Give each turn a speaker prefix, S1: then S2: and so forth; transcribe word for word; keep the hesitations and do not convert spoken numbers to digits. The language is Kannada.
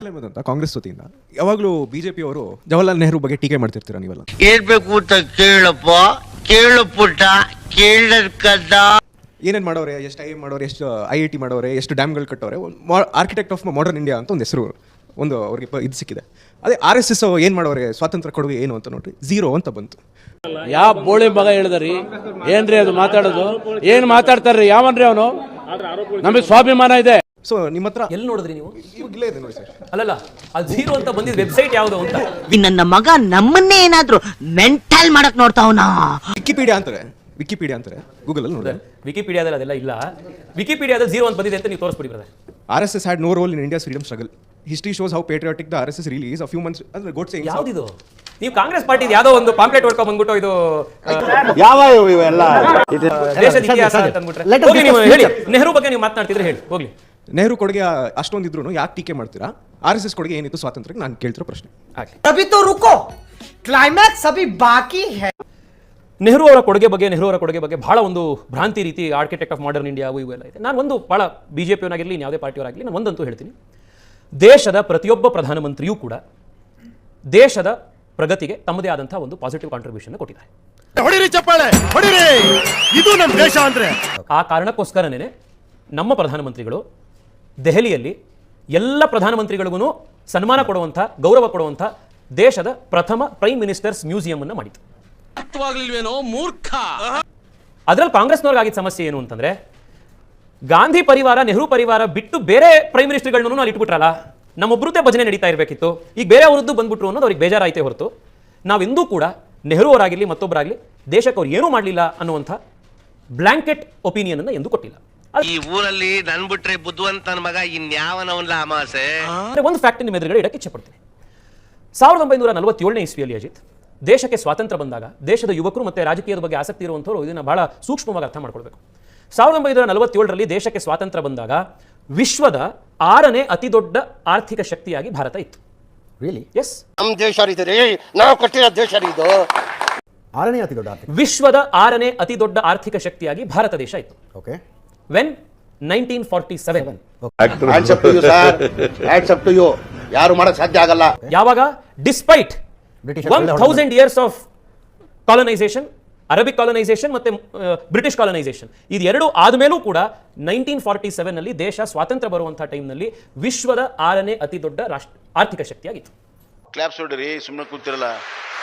S1: ಅಂತ ಕಾಂಗ್ರೆಸ್ ವತಿಯಿಂದ ಯಾವಾಗಲೂ ಬಿಜೆಪಿ ಅವರು ಜವಾಹರ್ಲಾಲ್ ನೆಹರು ಬಗ್ಗೆ ಟೀಕೆ ಮಾಡ್ತಿರ್ತೀರಾ ನೀವೆಲ್ಲ?
S2: ಕೇಳಬೇಕು ಅಂತ ಕೇಳಪ್ಪ, ಕೇಳು ಪುಟ್ಟ, ಕೇಳಕ್ಕದ.
S1: ಏನೇನು ಮಾಡೋರೆ, ಎಷ್ಟು ಐ ಮಾಡೋರೆ, ಎಷ್ಟು ಐ ಐ ಟಿ ಮಾಡೋರೆ, ಎಷ್ಟು ಡ್ಯಾಮ್ಗಳು ಕಟ್ಟೋರೆ, ಆರ್ಕಿಟೆಕ್ಟ್ ಆಫ್ ಮಾಡರ್ನ್ ಇಂಡಿಯಾ ಅಂತ ಒಂದು ಹೆಸರು ಒಂದು ಅವ್ರಿಗೆ ಇದು ಸಿಕ್ಕಿದೆ. ಅದೇ ಆರ್ ಎಸ್ ಎಸ್ ಏನು ಮಾಡೋರೆ, ಸ್ವಾತಂತ್ರ್ಯ ಕೊಡುಗೆ ಏನು ಅಂತ ನೋಡ್ರಿ, ಝೀರೋ ಅಂತ ಬಂತು.
S3: ಯಾವ ಬೋಳಿ ಮಗ ಹೇಳಿದ್ರಿ ಏನ್ರಿ ಅದು ಮಾತಾಡೋದು? ಏನ್ ಮಾತಾಡ್ತಾರ್ರಿ ಯಾವನ್ರಿ ಅವನು? ನಮಗೆ ಸ್ವಾಭಿಮಾನ ಇದೆ.
S1: ಸೊ ನಿಮ್ಮ ಹತ್ರ
S4: ಎಲ್ಲಿ ನೋಡಿದ್ರಿ ನೀವು?
S1: ಇಲ್ಲೇ ಇದೆ ನೋಡಿ ಸರ್.
S4: ಅಲ್ಲಲ್ಲ, ಅದು ಝೀರೋ ಅಂತ ಬಂದಿದ್ದ ವೆಬ್ಸೈಟ್ ಯಾವುದು ಅಂತ.
S2: ನನ್ನ ಮಗ ನಮ್ಮನ್ನೇ ಏನಾದ್ರು ಮೆಂಟಲ್ ಮಾಡಕ್ ನೋಡ್ತಾವನಾ?
S1: ವಿಕಿಪೀಡಿಯಾ ಅಂತಾರೆ, ವಿಕಿಪೀಡಿಯಾ ಅಂತಾರೆ ಗೂಗಲ್ ಅಲ್ಲಿ ನೋಡಿದ್ರೆ.
S4: ವಿಕಿಪೀಡಿಯಾದಲ್ಲಿ ಅದೆಲ್ಲ ಇಲ್ಲ. ವಿಕಿಪೀಡಿಯಾದಲ್ಲಿ ಝೀರೋ ಅಂತ ಬಂದಿದೆ ಅಂತ ನೀವು ತೋರಿಸ್ಬಿಡಿ brother.
S1: R S S had no role in India's freedom struggle. History shows how patriotic the R S S really is. A few months ಅಂದ್ರೆ ಗೋಡ್ಸೆ.
S4: ಯಾವ್ದಿದು? ನೀವು ಕಾಂಗ್ರೆಸ್ ಪಾರ್ಟಿ ಯಾವ್ದೋ ಒಂದು ಪಾಂಪ್ಲೆಟ್ ಹೊಡ್ಕೊಂಡ್ ಬಂದ್ಬಿಟ್ಟು ಇದು
S5: ಯಾವ ಇವೆಲ್ಲ
S4: ದೇಶದ ಇತಿಹಾಸ ಅಂತ ಅಂದ್ಬಿಟ್ರೆ ಹೋಗಿ ನೀವು ಹೇಳಿ. ನೆಹರು ಬಗ್ಗೆ ನೀವು ಮಾತನಾಡ್ತಿದ್ರೆ ಹೇಳಿ ಹೋಗ್ಲಿ.
S1: ನೆಹರು ಕೊಡುಗೆ ಅಷ್ಟೊಂದಿದ್ರು ಯಾಕೆ ಟೀಕೆ ಮಾಡ್ತೀರಾ? ಆರ್ ಎಸ್ ಎಸ್ ಕೊಡುಗೆ ಏನಿತ್ತು ಸ್ವಾತಂತ್ರ್ಯಕ್ಕೆ ನಾನು ಕೇಳ್ತಿರೋ ಪ್ರಶ್ನೆ.
S6: ಅಭಿ ತೋ ರುಕೋ, ಕ್ಲೈಮ್ಯಾಕ್ಸ್ ಅಭಿ ಬಾಕಿ ಹೈ.
S4: ನೆಹರು ಅವರ ಕೊಡುಗೆ ಬಗ್ಗೆ ನೆಹರು ಅವರ ಕೊಡುಗೆ ಬಗ್ಗೆ ಬಹಳ ಒಂದು ಭ್ರಾಂತಿ ರೀತಿ ಆರ್ಕಿಟೆಕ್ಟ್ ಆಫ್ ಮಾಡರ್ನ್ ಇಂಡಿಯಾ ಇವೆಲ್ಲ ಇದೆ. ನಾನು ಒಂದು ಬಹಳ ಬಿಜೆಪಿಯವನಾಗಿರಲಿ ಯಾವುದೇ ಪಾರ್ಟಿಯವರಾಗಲಿ ನಾನು ಒಂದಂತೂ ಹೇಳ್ತೀನಿ, ದೇಶದ ಪ್ರತಿಯೊಬ್ಬ ಪ್ರಧಾನಮಂತ್ರಿಯೂ ಕೂಡ ದೇಶದ ಪ್ರಗತಿಗೆ ತಮ್ಮದೇ ಆದಂತಹ ಒಂದು ಪಾಸಿಟಿವ್ ಕಾಂಟ್ರಿಬ್ಯೂಷನ್ ಕೊಟ್ಟಿದ್ದಾರೆ.
S5: ಹೊಡಿರಿ ಚಪ್ಪಾಳೆ, ಹೊಡಿರಿ, ಇದು ನಮ್ಮ ದೇಶ ಅಂದ್ರೆ.
S4: ಆ ಕಾರಣಕ್ಕೋಸ್ಕರನೇ ನಮ್ಮ ಪ್ರಧಾನಮಂತ್ರಿಗಳು ದೆಹಲಿಯಲ್ಲಿ ಎಲ್ಲ ಪ್ರಧಾನಮಂತ್ರಿಗಳಿಗೂ ಸನ್ಮಾನ ಕೊಡುವಂಥ, ಗೌರವ ಕೊಡುವಂಥ ದೇಶದ ಪ್ರಥಮ ಪ್ರೈಮ್ ಮಿನಿಸ್ಟರ್ಸ್ ಮ್ಯೂಸಿಯಂ ಅನ್ನು ಮಾಡಿತು.
S3: ಮೂರ್ಖ.
S4: ಅದರಲ್ಲಿ ಕಾಂಗ್ರೆಸ್ನವ್ರಿಗಾಗಿದ್ದ ಸಮಸ್ಯೆ ಏನು ಅಂತಂದ್ರೆ, ಗಾಂಧಿ ಪರಿವಾರ, ನೆಹರು ಪರಿವಾರ ಬಿಟ್ಟು ಬೇರೆ ಪ್ರೈಮ್ ಮಿನಿಸ್ಟರ್ಗಳನ್ನು ಅಲ್ಲಿ ಇಟ್ಬಿಟ್ರಲ್ಲ, ನಮ್ಮೊಬ್ಬರದ್ದೇ ಭಜನೆ ನಡೀತಾ ಇರಬೇಕಿತ್ತು, ಈಗ ಬೇರೆ ಅವರದ್ದು ಬಂದ್ಬಿಟ್ರು ಅನ್ನೋದು ಅವ್ರಿಗೆ ಬೇಜಾರಾಯಿತೇ ಹೊರತು ನಾವೆಂದೂ ಕೂಡ ನೆಹರು ಅವರಾಗಲಿ ಮತ್ತೊಬ್ಬರಾಗಲಿ ದೇಶಕ್ಕೆ ಅವ್ರು ಏನೂ ಮಾಡಲಿಲ್ಲ ಅನ್ನುವಂಥ ಬ್ಲಾಂಕೆಟ್ ಒಪಿನಿಯನ್ ಅನ್ನು ಎಂದೂ ಕೊಟ್ಟಿಲ್ಲ.
S2: ಈ ಊರಲ್ಲಿ ನನ್ ಬಿಟ್ರೆ ಬುದ್ಧಿವಂತನ ಮಗ ಇನ್ಯಾವನವನ್ಲ ಅಮಾಸೆ.
S4: ಒಂದು ಫ್ಯಾಕ್ಟ್ ನಿಮ್ಮ ಎದುರುಗಡೆ ಇಡಕ್ಕೆ ಇಚ್ಛೆ ಪಡ್ತೀನಿ. ಸಾವಿರದ ಒಂಬೈನೂರ ನಲವತ್ತೇಳನೇ ಇಸ್ವಿಯಲ್ಲಿ ಅಜಿತ್ ದೇಶಕ್ಕೆ ಸ್ವಾತಂತ್ರ್ಯ ಬಂದಾಗ ದೇಶದ ಯುವಕರು ಮತ್ತು ರಾಜಕೀಯದ ಬಗ್ಗೆ ಆಸಕ್ತಿ ಇರುವಂಥವ್ರು ಇದನ್ನು ಬಹಳ ಸೂಕ್ಷ್ಮವಾಗಿ ಅರ್ಥ ಮಾಡ್ಕೊಳ್ಬೇಕು. ಸಾವಿರದ ಒಂಬೈನೂರ ನಲವತ್ತೇಳರಲ್ಲಿ ದೇಶಕ್ಕೆ ಸ್ವಾತಂತ್ರ್ಯ ಬಂದಾಗ ವಿಶ್ವದ ಆರನೇ ಅತಿ ದೊಡ್ಡ ಆರ್ಥಿಕ ಶಕ್ತಿಯಾಗಿ ಭಾರತ ಇತ್ತು.
S5: ರಿಯಲಿ?
S4: ಎಸ್,
S5: ನಮ್ಮ ದೇಶ ರೀ, ನಾವು ಕಟ್ಟಿರೋ ದೇಶ ಇದು. ಆರನೇ ಅತಿ ದೊಡ್ಡ ಆರ್ಥಿಕ,
S4: ವಿಶ್ವದ ಆರನೇ ಅತಿ ದೊಡ್ಡ ಆರ್ಥಿಕ ಶಕ್ತಿಯಾಗಿ ಭಾರತ ದೇಶ ಇತ್ತು.
S5: Okay.
S4: When nineteen forty seven.
S5: Hands up to you sir, hands up to you. ಯಾರು ಮಾಡಕ್ ಸಾಧ್ಯ ಆಗಲ್ಲ.
S4: ಯಾವಾಗ despite one thousand years of colonisation, Arabic colonisation ಮತ್ತೆ ಬ್ರಿಟಿಷ್ ಕಾಲನೈಸೇಷನ್, ಇದು ಎರಡು ಆದ್ಮೇಲೂ ಕೂಡ ನೈನ್ಟೀನ್ ಫಾರ್ಟಿ ಸೆವೆನ್ ನಲ್ಲಿ ದೇಶ ಸ್ವಾತಂತ್ರ್ಯ ಬರುವಂತಹ ಟೈಮ್ನಲ್ಲಿ ವಿಶ್ವದ ಆರನೇ ಅತಿ ದೊಡ್ಡ ರಾಷ್ಟ್ರ ಆರ್ಥಿಕ ಶಕ್ತಿಯಾಗಿತ್ತು.
S7: ಕ್ಲಾಪ್ಸ್ ಹೊಡ್ರಿ, ಸುಮ್ಮನೆ ಕೂತಿರಲ್ಲ.